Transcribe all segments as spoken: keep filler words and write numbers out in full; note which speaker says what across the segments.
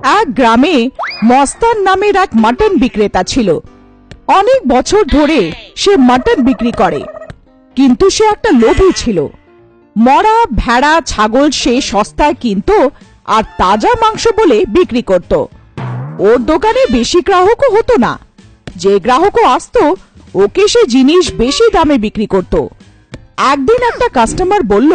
Speaker 1: এক গ্রামে মস্তান নামের এক মাটন বিক্রেতা ছিল। অনেক বছর ধরে সে মাটন বিক্রি করে, কিন্তু সে একটা লোভী ছিল। মরা ভেড়া ছাগল সে সস্তায় কিনত আর তাজা মাংস বলে বিক্রি করত। ওর দোকানে বেশি গ্রাহকও হতো না, যে গ্রাহকও আসতো ওকে সে জিনিস বেশি দামে বিক্রি করত। একদিন একটা কাস্টমার বলল,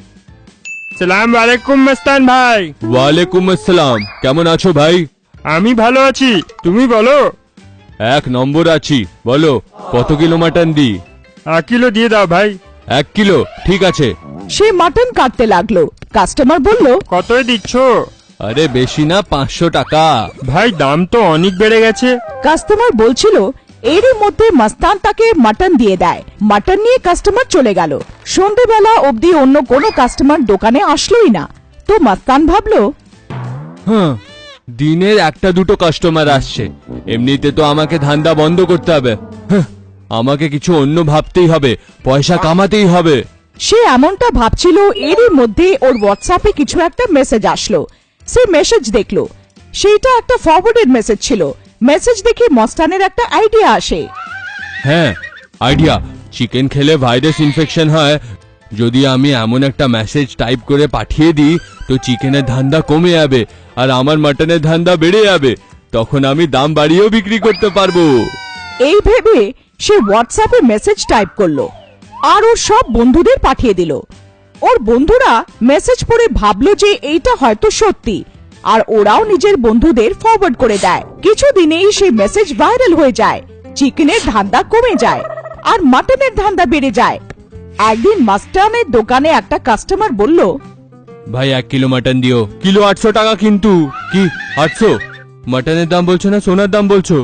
Speaker 2: সালাম আলাইকুম মস্তান ভাই।
Speaker 3: ওয়ালাইকুম আসসালাম, কেমন আছো ভাই?
Speaker 2: আমি ভালো আছি, তুমি বলো?
Speaker 3: এক নম্বর আছি, বলো কত কিলো মাটন দি?
Speaker 2: এক কিলো দিয়ে দাও ভাই।
Speaker 3: এক কিলো, ঠিক আছে।
Speaker 1: সে মাটন কাটতে লাগলো। কাস্টমার বলল,
Speaker 2: কতই দিচ্ছ?
Speaker 3: আরে বেশি না, পাঁচশো টাকা।
Speaker 2: ভাই দাম তো অনেক বেড়ে গেছে।
Speaker 1: কাস্টমার বলছিল। এরই মধ্যে মস্তান তাকে মাটন দিয়ে দেয়। মাটন নিয়ে কাস্টমার চলে গেল। সন্ধেবেলা অবধি অন্য কোনো কাস্টমার দোকানে আসলোই না। তো মস্তান ভাবলো,
Speaker 3: হ্যাঁ, দিনের একটা দুটো কাস্টমার আসছে, এমনিতে তো আমাকে ধান্দা বন্ধ করতে হবে। হ্যাঁ, আমাকে কিছু অন্য ভাবতেই হবে, পয়সা কামাতেই হবে।
Speaker 1: সে এমনটা ভাবছিল, এরই মধ্যে ওর হোয়াটসঅ্যাপে কিছু একটা মেসেজ আসলো। সে মেসেজ দেখলো, সেইটা একটা ফরওয়ার্ডেড মেসেজ ছিল। মেসেজ দেখে মস্তানের একটা আইডিয়া আসে।
Speaker 3: হ্যাঁ, আইডিয়া। চিকেন খেলে ভাইরাস ইনফেকশন হয়, যদি আমি এমন একটা মেসেজ টাইপ করে পাঠিয়ে দিই তো চিকেনের ধান্দা কমে যাবে আর আমার মাটনের ধান্দা বেড়ে যাবে, তখন আমি দাম বাড়িয়েও বিক্রি করতে পারবো।
Speaker 1: এই ভেবে সে হোয়াটসঅ্যাপে মেসেজ টাইপ করলো আর ওর সব বন্ধুদের পাঠিয়ে দিল। ওর বন্ধুরা মেসেজ পড়ে ভাবলো যে এইটা হয়তো সত্যি, আর ওরাও নিজের বন্ধুদের ফরওয়ার্ড করে দেয়। কিছুদিনেই সেই মেসেজ ভাইরাল হয়ে যায়। চিকেনের ধান্দা কমে যায় আর মাটনের ধান্দা বেড়ে যায়। একদিন মাস্টানের দোকানে একটা কাস্টমার বলল,
Speaker 3: ভাই এক কিলো মাটন দিও। কিলো আটশো টাকা কিন্তু। কি আটশো? মাটনের দাম বলছো না সোনার দাম বলছো?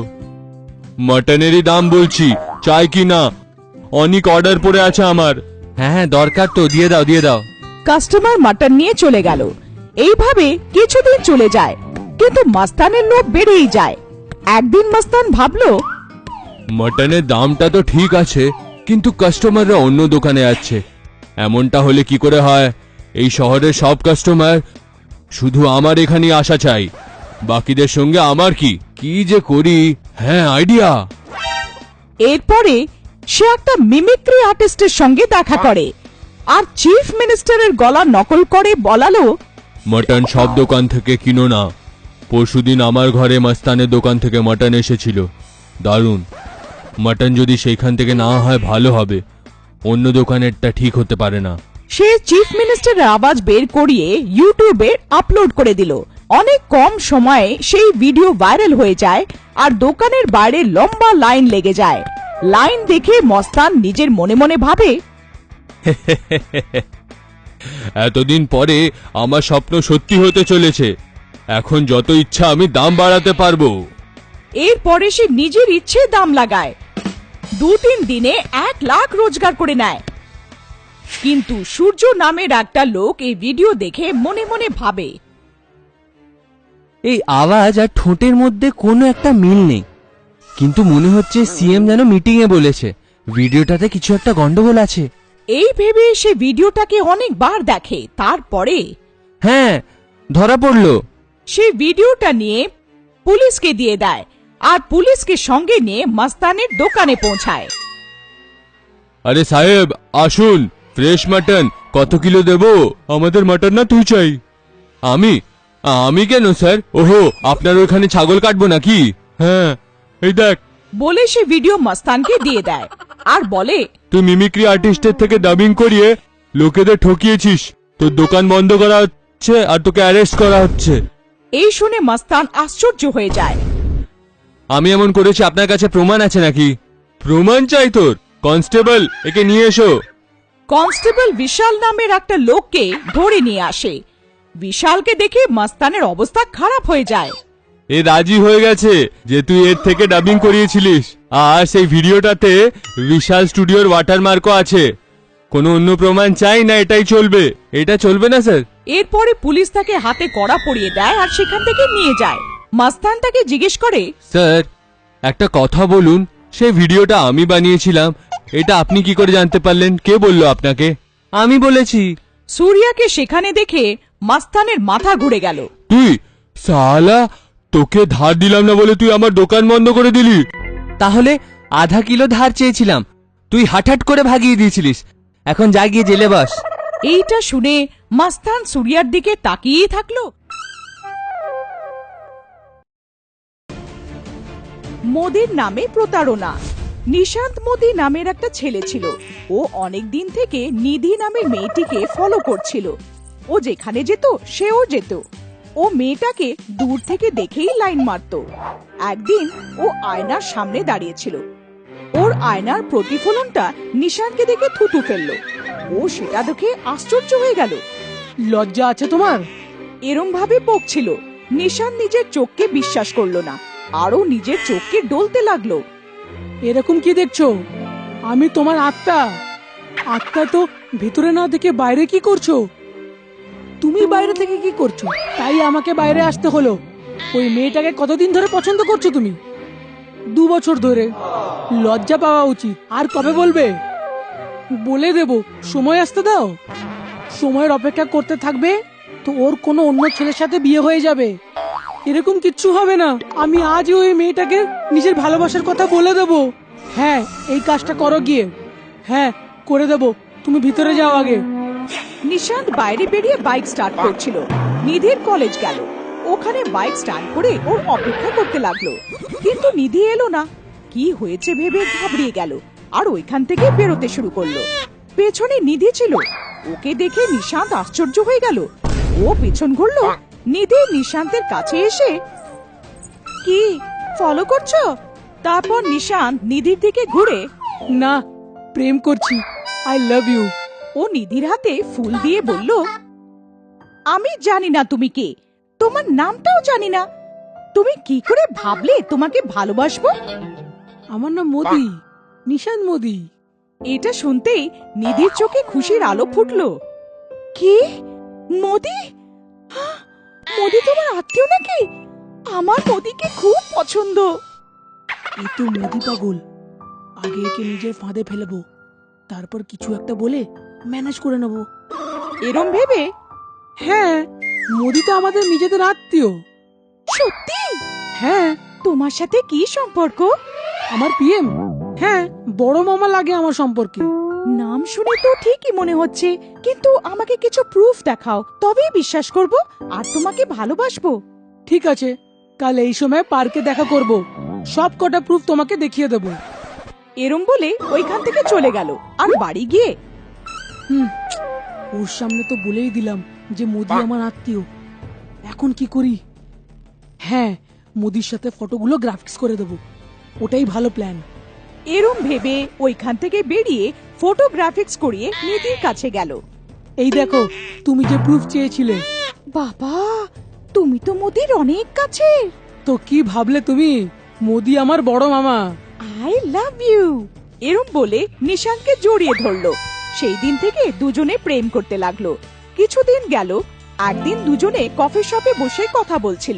Speaker 3: মাটনেরই দাম বলছি, চাই কি না? অনেক অর্ডার পড়ে আছে আমার। হ্যাঁ হ্যাঁ, দরকার তো, দিয়ে দাও দিয়ে দাও।
Speaker 1: কাস্টমার মাটন নিয়ে চলে গেল। এইভাবে কিছুদিন চলে যায়, কিন্তু মাস্তানের লোভ বেড়েই যায়। একদিন মাস্তান ভাবলো,
Speaker 3: মাটনের দামটা তো ঠিক আছে, কিন্তু কাস্টমাররা অন্য দোকানে যাচ্ছে। এমনটা হলে কি করে হয়? এই শহরের সব কাস্টমার শুধু আমার এখানে আসা চাই, বাকিদের সঙ্গে আমার কি কি যে করি। হ্যাঁ, আইডিয়া।
Speaker 1: এরপরে সে একটা মিমিক্রি আর্টিস্টের সঙ্গে দেখা করে আর চিফ মিনিস্টারের গলা নকল করে বলালো,
Speaker 3: মটন সব দোকান থেকে কিনো না। পরশুদিন আমার ঘরে মস্তানের দোকান থেকে মটন এসেছিল, দারুণ। মটন যদি সেইখান থেকে না হয় ভালো হবে, অন্য দোকানেরটা ঠিক হতে পারে না।
Speaker 1: সে চিফ মিনিস্টারের আওয়াজ বের করিয়ে ইউটিউবে আপলোড করে দিল। অনেক কম সময়ে সেই ভিডিও ভাইরাল হয়ে যায় আর দোকানের বাইরে লম্বা লাইন লেগে যায়। লাইন দেখে মস্তান নিজের মনে মনে ভাবে,
Speaker 3: এতদিন পরে আমার স্বপ্ন সত্যি হতে চলেছে, এখন যত ইচ্ছা আমি দাম বাড়াতে পারবো।
Speaker 1: এরপরে সে নিজের ইচ্ছে দাম লাগায়। দু তিন দিনে এক লাখ রোজগার করে নেয়। কিন্তু সূর্য নামের একটা লোক এই ভিডিও দেখে মনে মনে ভাবে,
Speaker 4: এই আওয়াজ আর ঠোঁটের মধ্যে কোনো একটা মিল নেই, কিন্তু মনে হচ্ছে সিএম যেন মিটিং এ বলেছে, ভিডিওটাতে কিছু একটা গন্ডগোল আছে।
Speaker 1: এই ভেবে সে ভিডিওটাকে অনেকবার দেখে। তারপরে
Speaker 4: হ্যাঁ, ধরা পড়লো।
Speaker 1: সে ভিডিওটা নিয়ে পুলিশকে দিয়ে দেয় আর পুলিশকে সঙ্গে নিয়ে মস্তানের দোকানে পৌঁছায়।
Speaker 3: আরে সাহেব আসুন, ফ্রেশ মাটন কত কিলো দেবো? আমাদের মাটন না তুই চাই। আমি আমি কেন স্যার? ওহো, আপনার ওখানে ছাগল কাটবো নাকি? হ্যাঁ, এই দেখ।
Speaker 1: বলে সে ভিডিও মস্তানকে দিয়ে দেয় আর বলে,
Speaker 3: তুই মিমিক্রি আর্টিস্টের থেকে ডাবিং করিয়ে লোকেদের ঠকিয়েছিস, তোর দোকান বন্ধ করা হচ্ছে আর তোকে অ্যারেস্ট করা হচ্ছে।
Speaker 1: এই শুনে মস্তান আশ্চর্য হয়ে যায়।
Speaker 3: আমি এমন করেছি, আপনার কাছে প্রমাণ আছে নাকি? প্রমাণ চাই তোর? কনস্টেবল, একে নিয়ে এসো।
Speaker 1: কনস্টেবল বিশাল নামের একটা লোককে ধরে নিয়ে আসে। বিশালকে দেখে মস্তানের অবস্থা খারাপ হয়ে যায়।
Speaker 3: এ রাজি হয়ে গেছে যে তুই এর থেকে ডাবিং করিয়েছিলিস, আর সেই ভিডিওটাতে বিশাল স্টুডিওর ওয়াটারমার্কও আছে। কোনো অন্য প্রমাণ চাই না, এটাই চলবে। এটা চলবে না স্যার?
Speaker 1: এরপরে পুলিশ তাকে হাতে কড়া পরিয়ে দেয় আর সেখান থেকে নিয়ে যায়। মস্তান তাকে জিজ্ঞেস করে,
Speaker 3: স্যার একটা কথা বলুন, সেই ভিডিওটা আমি বানিয়েছিলাম, এটা আপনি কি করে জানতে পারলেন? কে বললো আপনাকে?
Speaker 4: আমি বলেছি।
Speaker 1: সূর্যাকে সেখানে দেখে মস্তানের মাথা ঘুরে গেল।
Speaker 3: তুই সালা, তোকে ধার দিলাম না বলে তুই আমার দোকান বন্ধ করে দিলি।
Speaker 4: তাহলে আধা কিলো ধার চেয়েছিলাম, তুই হাঠাট করে ভাগিয়ে দিয়েছিলিস। এখন যা গিয়ে জেলে বস।
Speaker 1: এইটা শুনে মাস্তান সুরিয়ার দিকে তাকিয়েই থাকলো। মোদির নামে প্রতারণা। নিশান্ত মোদি নামের একটা ছেলে ছিল। ও অনেক দিন থেকে নিধি নামের মেয়েটিকে ফলো করছিল। ও যেখানে যেত সেও যেত। ও মেয়েটাকে দূর থেকে দেখেই লাইন মারত। একদিন ও আয়নার সামনে দাঁড়িয়েছিল। ওর আয়নার প্রতিফলনটা নিশান্তকে দেখে থুতু ফেললো। ও সেটা দেখে আশ্চর্য হয়ে গেল।
Speaker 5: লজ্জা আছে তোমার?
Speaker 1: এরম ভাবে বকছিল। নিশান্ত নিজের চোখকে বিশ্বাস করলো না, আরো নিজের চোখকে ডলতে লাগলো।
Speaker 5: এরকম কি দেখছো? আমি তোমার আত্মা। আত্মা তো ভিতরে না দেখে বাইরে কি করছো? তুমি বাইরে থেকে কি করছো? তাই আমাকে বাইরে আসতে হলো। ওই মেয়েটাকে কতদিন ধরে পছন্দ করছো তুমি? দু বছর ধরে। লজ্জা পাওয়া উচিত। আর কবে বলবে? বলে দেব, সময় আসতে দাও। সময়ের অপেক্ষা করতে থাকবে তো ওর কোনো অন্য ছেলের সাথে বিয়ে হয়ে যাবে। এরকম কিচ্ছু হবে না। আমি আজই ওই মেয়েটাকে নিজের ভালোবাসার কথা বলে দেব। হ্যাঁ, এই কাজটা করো গিয়ে। হ্যাঁ, করে দেব। তুমি ভিতরে যাও আগে।
Speaker 1: নিশান্ত বাইরে বেরিয়ে বাইক স্টার্ট করছিল। নিধির কলেজ গেল। ওখানে বাইক স্টার্ট করে ওর অপেক্ষা করতে লাগলো, কিন্তু নিধি এলো না। কি হয়েছে ভেবে ঘাবড়িয়ে গেল আর ওইখান থেকে বেরোতে শুরু করলো। পেছনে নিধি ছিল। ওকে দেখে নিশান্ত আশ্চর্য হয়ে গেল। ও পেছন ঘুরলো। নিধি নিশান্তের কাছে এসে, কি ফলো করছো? তারপর নিশান্ত নিধির দিকে ঘুরে,
Speaker 5: না, প্রেম করছি। I love you.
Speaker 1: ও নিধির হাতে ফুল দিয়ে বলল, আমি জানি না তুমি কে, তোমার নামটাও জানি না। তুমি কি করে ভাবলে তোমাকে ভালোবাসবো?
Speaker 5: আমার নাম মোদি, নিশান্ত মোদি।
Speaker 1: এটা শুনতেই নিধির চোখে খুশির আলো ফুটলো। কি? মোদি? হাহ, মোদি তোমার আত্মীয় নাকি? আমার মোদিকে খুব পছন্দ।
Speaker 5: এই তো মোদি পাগল। আগে একে নিজের ফাঁদে ফেলবো, তারপর কিছু একটা বলে ম্যানেজ করে নেব।
Speaker 1: এরম ভেবে,
Speaker 5: হ্যাঁ, মোদি তো আমাদের নিজেদের আত্মীয়।
Speaker 1: সত্যি?
Speaker 5: হ্যাঁ,
Speaker 1: তোমার সাথে কি সম্পর্ক?
Speaker 5: আমার পিএম। হ্যাঁ, বড় মামা লাগে আমার সম্পর্কে।
Speaker 1: নাম শুনে তো ঠিকই মনে হচ্ছে, কিন্তু আমাকে কিছু প্রুফ দেখাও, তবেই বিশ্বাস করব আর তোমাকে ভালোবাসবো।
Speaker 5: ঠিক আছে, কাল এই সময় পার্কে দেখা করব। সব কটা প্রুফ তোমাকে দেখিয়ে দেব।
Speaker 1: এরম বলে ওইখান থেকে চলে গেল। আর বাড়ি গিয়ে,
Speaker 5: হুম, ওর সামনে তো বলেই দিলাম যে মোদি আমার আত্মীয়। এখন কি করি? হ্যাঁ, মোদির সাথে ফটোগুলো গ্রাফিক্স করে দেব। ওটাই ভালো প্ল্যান।
Speaker 1: এরম ভেবে ওইখান থেকে বেরিয়ে ফটোগ্রাফিক্স করিয়ে নিধির কাছে গেল।
Speaker 5: এই দেখো, তুমি যে প্রুফ চেয়েছিলে।
Speaker 1: বাবা, তুমি তো মোদির অনেক কাছে।
Speaker 5: তো কি ভাবলে তুমি? মোদি আমার বড় মামা।
Speaker 1: I love you. এরম বলে নিশান্তকে জড়িয়ে ধরলো। সেই দিন থেকে দুজনে প্রেম করতে লাগলো। কিছুদিন গেল। একদিন দুজনে কফি শপে বসে কথা বলছিল।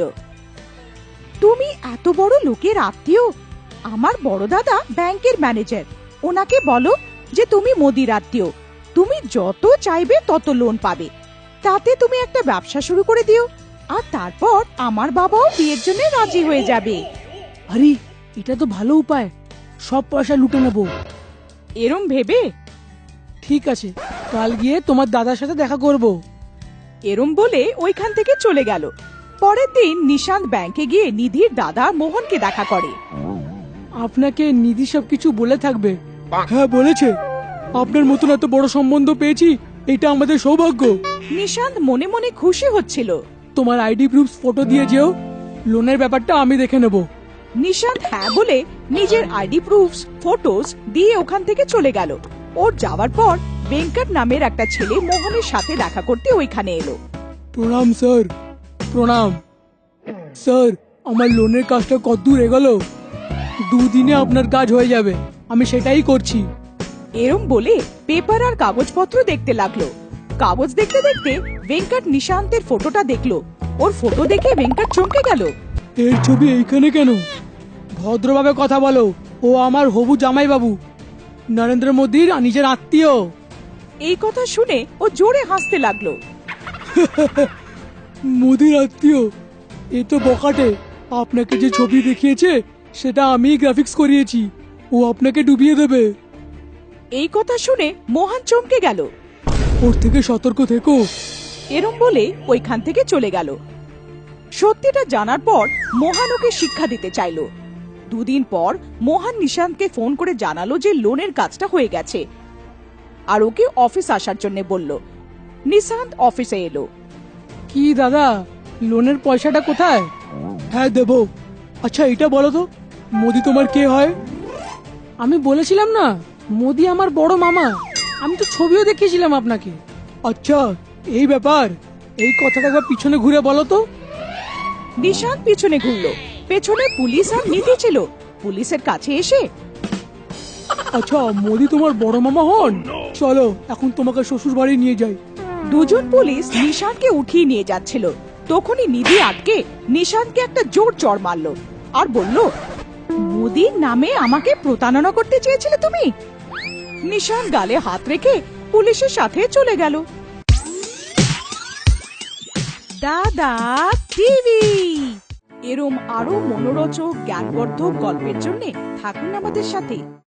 Speaker 1: তুমি এত বড় লোকের আত্মীয়? আমার বড় দাদা ব্যাংকের ম্যানেজার। ওনাকে বলো যে তুমি মোদির আত্মীয়। তুমি যত চাইবে তত লোন পাবে। তাতে তুমি একটা ব্যবসা শুরু করে দিও। আর তারপর আমার বাবাও বিয়ের জন্য রাজি হয়ে যাবে।
Speaker 5: আরে, এটা তো ভালো উপায়। সব পয়সা লুটে নেব।
Speaker 1: এরম ভেবে,
Speaker 5: ঠিক আছে, কাল গিয়ে তোমার দাদার সাথে দেখা করব।
Speaker 1: এরম বলে ওইখান থেকে চলে গেল। পরের দিন নিশান্ত ব্যাংকে গিয়ে নিধির দাদা মোহনকে দেখা করে।
Speaker 5: আপনাকে নিধি সবকিছু বলে থাকবে। হ্যাঁ, বলেছে। আপনার মতন এত বড় সম্বন্ধ পেয়েছি, এটা আমাদের সৌভাগ্য।
Speaker 1: নিশান্ত মনে মনে খুশি হচ্ছিল।
Speaker 5: তোমার আইডি প্রুফ ফটো দিয়ে যেও। লোনের ব্যাপারটা আমি দেখে নেব।
Speaker 1: নিশান্ত হ্যাঁ বলে নিজের আইডি প্রুফস ফটোস দিয়ে ওখান থেকে চলে গেল। ওর যাওয়ার পর বেঙ্কট নামের একটা ছেলে মোহনের সাথে দেখা করতে ওইখানে এলো।
Speaker 5: প্রণাম স্যার। প্রণাম স্যার। আমার লোনের কাজটা কতদূর এগোলো? দুদিনে আপনার কাজ হয়ে যাবে, আমি সেটাই করছি।
Speaker 1: এরম বলে পেপার আর কাগজপত্র দেখতে লাগলো। কাগজ দেখতে দেখতে বেঙ্কট নিশান্তের ফটোটা দেখলো। ওর ফটো দেখে বেঙ্কট চমকে গেল।
Speaker 5: এর ছবি এইখানে কেন? ভদ্রভাবে কথা বলো। ও আমার হবু জামাই বাবু, নরেন্দ্র মোদীর নিজের আত্মীয়।
Speaker 1: এই কথা শুনে ও জোরে হাসতে লাগলো।
Speaker 5: মোদীর আত্মীয়? এই তো বকাটে, আপনাকে যে ছবি দেখিয়েছে সেটা আমি গ্রাফিক্স করিয়েছি। ও আপনাকে ডুবিয়ে দেবে।
Speaker 1: এই কথা শুনে মোহন চমকে গেল।
Speaker 5: ওর থেকে সতর্ক থেকো।
Speaker 1: এরম বলে ওইখান থেকে চলে গেল। সত্যিটা জানার পর মোহন ওকে শিক্ষা দিতে চাইলো। দুদিন পর মোহন নিশান্তকে ফোন করে জানালো যে লোনের কাজটা হয়ে গেছে, আর ওকে অফিস আসার জন্য বলল। নিশান্ত অফিসে এলো।
Speaker 5: কি দাদা, লোনের পয়সাটা কোথায়? হ্যাঁ দেবো। আচ্ছা এটা বলো তো, মোদি তোমার কে হয়? আমি বলেছিলাম না, মোদি আমার বড় মামা। আমি তো ছবিও দেখিয়েছিলাম আপনাকে। আচ্ছা এই ব্যাপার, এই কথাটা একবার পিছনে ঘুরে বলো তো।
Speaker 1: নিশান্ত পিছনে ঘুরলো। পেছনে পুলিশ আর নিধি ছিল। পুলিশের কাছে এসে,
Speaker 5: আচ্ছা মোদি তোমার বড় মামা হন? চলো এখন তোমাকে শ্বশুর বাড়ি নিয়ে যাই।
Speaker 1: দুজন পুলিশ নিশান্তকে উঠিয়ে নিয়ে যাচ্ছিল। তখনই নিধি আটকে নিশান্তকে একটা জোর চড় মারলো আর বলল, মোদির নামে আমাকে প্রতারণা করতে চেয়েছিলে তুমি। নিশান্ত গালে হাত রেখে পুলিশের সাথে চলে গেল। দাদা টিভি এরম আরো মনোরোচক জ্ঞানবর্ধক গল্পের জন্য থাকুন আমাদের সাথে।